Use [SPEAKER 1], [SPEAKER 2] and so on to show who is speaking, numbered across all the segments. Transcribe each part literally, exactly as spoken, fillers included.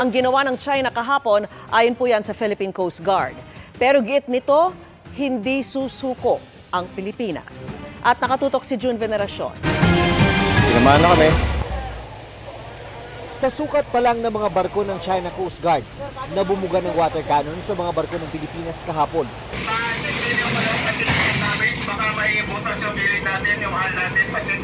[SPEAKER 1] Ang ginawa ng China kahapon, ayon po yan sa Philippine Coast Guard. Pero giit nito, hindi susuko ang Pilipinas. At nakatutok si June Veneracion.
[SPEAKER 2] Tinamaan na kami.
[SPEAKER 3] Sa sukat pa lang ng mga barko ng China Coast Guard, nabumuga ng water cannon sa mga barko ng Pilipinas kahapon.
[SPEAKER 4] Baka may butas yung pilit natin, yung hal natin, pa-check.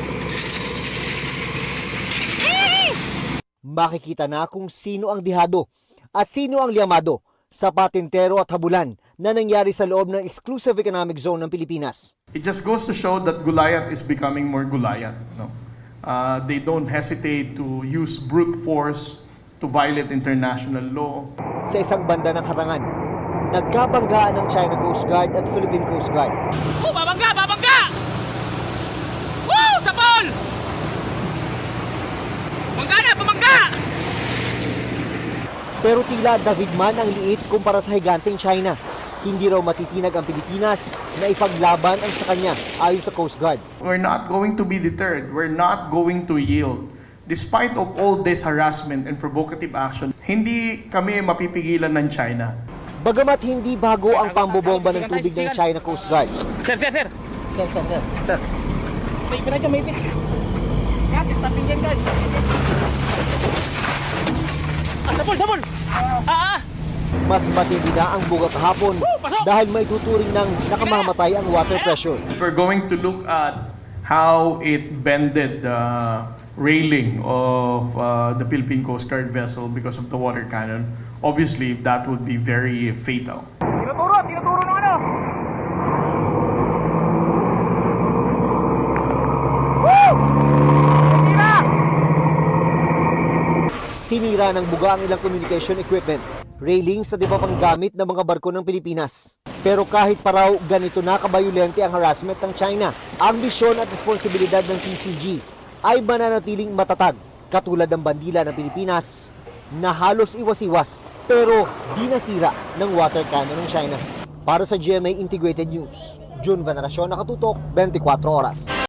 [SPEAKER 3] Makikita na kung sino ang dihado at sino ang liyamado sa patintero at habulan na nangyari sa loob ng exclusive economic zone ng Pilipinas.
[SPEAKER 5] It just goes to show that Gulayat is becoming more Gulayat. No? Uh, they don't hesitate to use brute force to violate international law.
[SPEAKER 3] Sa isang banda ng harangan, nagkabanggaan ng China Coast Guard at Philippine Coast Guard.
[SPEAKER 6] Oh, babangga! Babangga! Woo! Sapol! Bangga na! Bumangga!
[SPEAKER 3] Pero tila dahigman ang liit kumpara sa higanteng China. Hindi raw matitinag ang Pilipinas na ipaglaban ang sa kanya ayon sa Coast Guard.
[SPEAKER 5] We're not going to be deterred. We're not going to yield. Despite of all this harassment and provocative action, hindi kami mapipigilan ng China.
[SPEAKER 3] Bagamat hindi bago ang pambobomba ng tubig ng China Coast Guard.
[SPEAKER 6] Sir, sir, sir! Sir, sir, sir! Sir! May pinag may pit! Guys, stopin yan, guys! Ah, sapol, sapol! Ah, ah!
[SPEAKER 3] Mas matindi na ang buga kahapon dahil may tuturing ng nakamamatay ang water pressure.
[SPEAKER 5] If we're going to look at how it bended the railing of uh, the Philippine Coast Guard vessel because of the water cannon, obviously that would be very fatal.
[SPEAKER 6] Tinuturo! Tinuturo ng ano! Woo! Tira!
[SPEAKER 3] Sinira ng buga ang ilang communication equipment, railings na di ba pang gamit ng mga barko ng Pilipinas. Pero kahit pa raw ganito na kabayulente ang harassment ng China, ang misyon at responsibilidad ng P C G ay mananatiling matatag, katulad ng bandila ng Pilipinas na halos iwas-iwas pero di nasira ng water cannon ng China. Para sa G M A Integrated News, June Veneracion, nakatutok, twenty-four oras.